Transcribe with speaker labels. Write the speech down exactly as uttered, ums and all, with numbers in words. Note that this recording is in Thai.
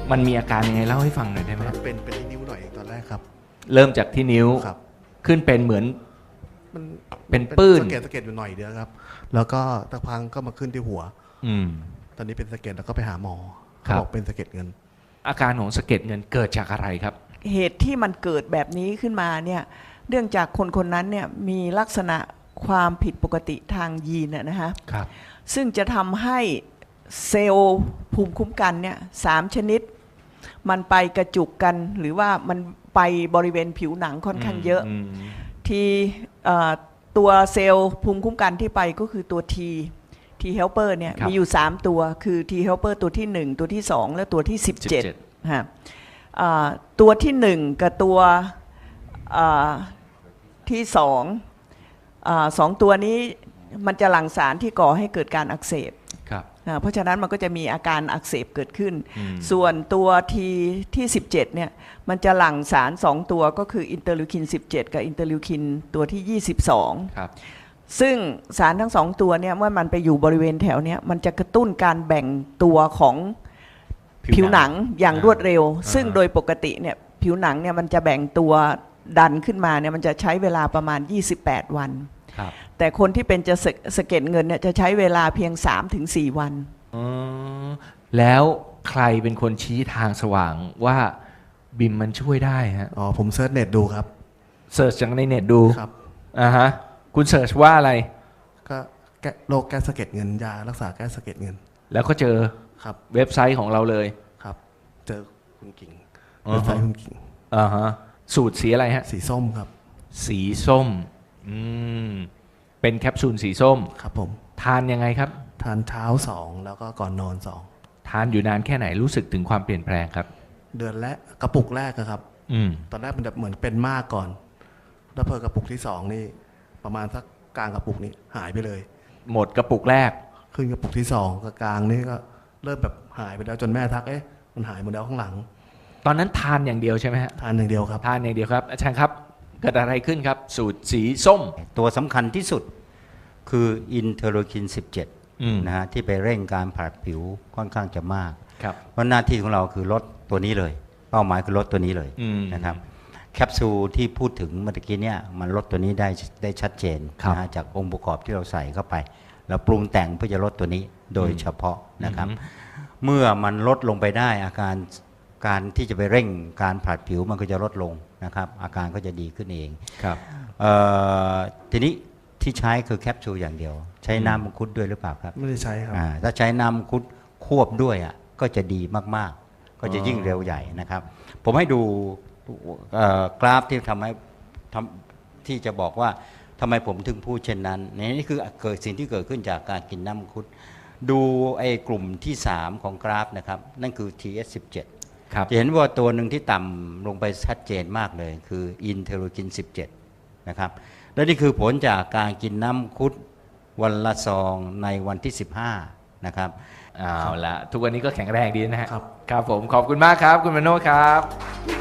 Speaker 1: มันมีอาการยังไงเล่าให้ฟังหน่อยได้ไหม
Speaker 2: มันเป็นเป็นที่นิ้วหน่อยตอนแรกครับ
Speaker 1: เริ่มจากที่นิ้ว
Speaker 2: ครับ
Speaker 1: ขึ้นเป็นเหมือน
Speaker 2: มัน
Speaker 1: เป็นปื้น
Speaker 2: สะเก็ดสะเก็ดอยู่หน่อยเดียวครับ แล้วก็ตะพังก็มาขึ้นที่หัว
Speaker 1: อืม
Speaker 2: ตอนนี้เป็นสะเก็ดแล้วก็ไปหาหมอ
Speaker 1: ครั
Speaker 2: เขา
Speaker 1: บ
Speaker 2: บอกเป็นสะเก็ดเงิน
Speaker 1: อาการของสะเก็ดเงินเกิดจากอะไรครับ
Speaker 3: เหตุที่มันเกิดแบบนี้ขึ้นมาเนี่ยเนื่องจากคนคนนั้นเนี่ยมีลักษณะความผิดปกติทางยีนนะฮะ
Speaker 1: ครับ
Speaker 3: ซึ่งจะทำให้เซลล์ภูมิคุ้มกันเนี่ยสามชนิด มันไปกระจุกกันหรือว่ามันไปบริเวณผิวหนังค่อนข้างเยอะ
Speaker 1: ม
Speaker 3: ที่เอ่อตัวเซลล์ภูมิคุ้มกันที่ไปก็คือตัว T T helper เนี่ย
Speaker 1: ครับ
Speaker 3: มีอยู่สามตัวคือ T helper ตัวที่หนึ่งตัวที่สองและตัวที่สิบเจ็ด
Speaker 1: สิบเจ็ด
Speaker 3: ฮะอ่าตัวที่หนึ่งกับตัวอ่าที่สองอ่าสองตัวนี้มันจะหลั่งสารที่ก่อให้เกิดการอักเสบ
Speaker 1: ครับ
Speaker 3: อ่าเพราะฉะนั้นมันก็จะมีอาการอักเสบเกิดขึ้น
Speaker 1: อืม
Speaker 3: ส่วนตัวทีที่สิบเจ็ดเนี่ยมันจะหลั่งสารสองตัวก็คืออินเตอร์ลิวคินสิบเจ็ดกับอินเตอร์ลิวคินตัวที่ยี่สิบสอง
Speaker 1: ครับ
Speaker 3: ซึ่งสารทั้งสองตัวเนี่ยเมื่อมันไปอยู่บริเวณแถวเนี้ยมันจะกระตุ้นการแบ่งตัวของผิวหนังอย่างรวดเร็ว ซึ่งโดยปกติเนี่ยผิวหนังเนี่ยมันจะแบ่งตัวดันขึ้นมาเนี่ยมันจะใช้เวลาประมาณยี่สิบแปดวัน
Speaker 1: ครับ
Speaker 3: แต่คนที่เป็นจะสะสะเก็ดเงินเนี่ยจะใช้เวลาเพียง สามถึงสี่ วัน
Speaker 1: อ๋อแล้วใครเป็นคนชี้ทางสว่างว่าบิมมันช่วยได้ฮะ
Speaker 2: อ๋อผมเซิร์ชเน็ตดูครับ
Speaker 1: เสิร์ชจากในเน็ตดู
Speaker 2: ครับ
Speaker 1: อ่าฮะ คุณเสิร์ชว่าอะไร
Speaker 2: ก็แก้โรคแก้สะเก็ดเงินยารักษาแก้สะเก็ดเงิน
Speaker 1: แล้วก็เจอ
Speaker 2: ครับ
Speaker 1: เว็บไซต์ของเราเลย
Speaker 2: ครับ เจอคุณกิ่ง
Speaker 1: อ๋อ
Speaker 2: เว็บไซต์คุณกิ่ง
Speaker 1: อ่าฮะ สูตรสีอะไรฮะ
Speaker 2: สีส้มครับ
Speaker 1: สีส้ม อืม เป็นแคปซูลสีส้ม
Speaker 2: ครับผม
Speaker 1: ทานยังไงครับ
Speaker 2: ทานเช้าสองแล้วก็ก่อนนอนสอง
Speaker 1: ทานอยู่นานแค่ไหนรู้สึกถึงความเปลี่ยนแปลงครับ
Speaker 2: เดือนแรกกระปุกแรกอะครับ
Speaker 1: อืม
Speaker 2: ตอนแรกมันแบบเหมือนเป็นมากก่อน แล้วพอกระปุกที่สองนี่ ประมาณสักกลางกระปุกนี้หายไปเลย
Speaker 1: หมดกระปุกแรก
Speaker 2: ขึ้นกระปุกที่สองกับกลางนี่ก็เริ่มแบบหายไปแล้วจนแม่ทักเอ๊ะมันหายหมดแล้วข้างหลัง
Speaker 1: ตอนนั้นทานอย่างเดียวใช่ไหมฮะ
Speaker 2: ทานอย่างเดียวครับ
Speaker 1: ทานอย่างเดียวครับ อาจารย์ครับ เกิดอะไรขึ้นครับ สูตรสีส้ม
Speaker 4: ตัวสำคัญที่สุดคืออินเทอร์โลคิน สิบเจ็ด
Speaker 1: อืม
Speaker 4: นะฮะที่ไปเร่งการผลัดผิวค่อนข้างจะมาก
Speaker 1: ครับ
Speaker 4: เพราะหน้าที่ของเราคือลดตัวนี้เลย เป้าหมายคือลดตัวนี้เลย
Speaker 1: อืม
Speaker 4: นะครับแคปซูลที่พูดถึงเมื่อกี้เนี่ยมันลดตัวนี้ได้ได้ชัดเจน
Speaker 1: ครับ
Speaker 4: นะฮะจากองค์ประกอบที่เราใส่เข้าไปเราปรุงแต่งเพื่อจะลดตัวนี้โดยเฉพาะนะครับ
Speaker 1: อืม
Speaker 4: เมื่อมันลดลงไปได้อาการการที่จะไปเร่งการผลัดผิวมันก็จะลดลงนะครับอาการก็จะดีขึ้นเอง
Speaker 1: ครับ
Speaker 4: เอ่อทีนี้ที่ใช้คือแคปซูลอย่างเดียว ใช้น้ำมังคุดด้วยหรือเปล่าครับ
Speaker 2: ไม่ได้ใช้ครับ
Speaker 4: อ่าถ้าใช้น้ำมังคุดควบด้วยอ่ะก็จะดีมากๆ ก็จะยิ่งเร็วใหญ่นะครับ ผมให้ดูเอ่อกราฟที่ทำให้ทำที่จะบอกว่าทำไมผมถึงพูดเช่นนั้นนี่คือเกิดสิ่งที่เกิดขึ้นจากการกินน้ำมังคุด ดูไอ้กลุ่มที่สามของกราฟนะครับนั่นคือ ที เอส สิบเจ็ด
Speaker 1: ครับ
Speaker 4: จะเห็นว่าตัวหนึ่งที่ต่ำลงไปชัดเจนมากเลยคืออินเทอร์โลคิน สิบเจ็ด นะครับและนี่คือผลจากการกินน้ำมังคุดวันละซองในวันที่ สิบห้า นะครับ
Speaker 1: เอาละทุกวันนี้ก็แข็งแรงดีนะฮะ
Speaker 2: ครับ
Speaker 1: ครับผมขอบคุณมากครับ คุณมโนครับ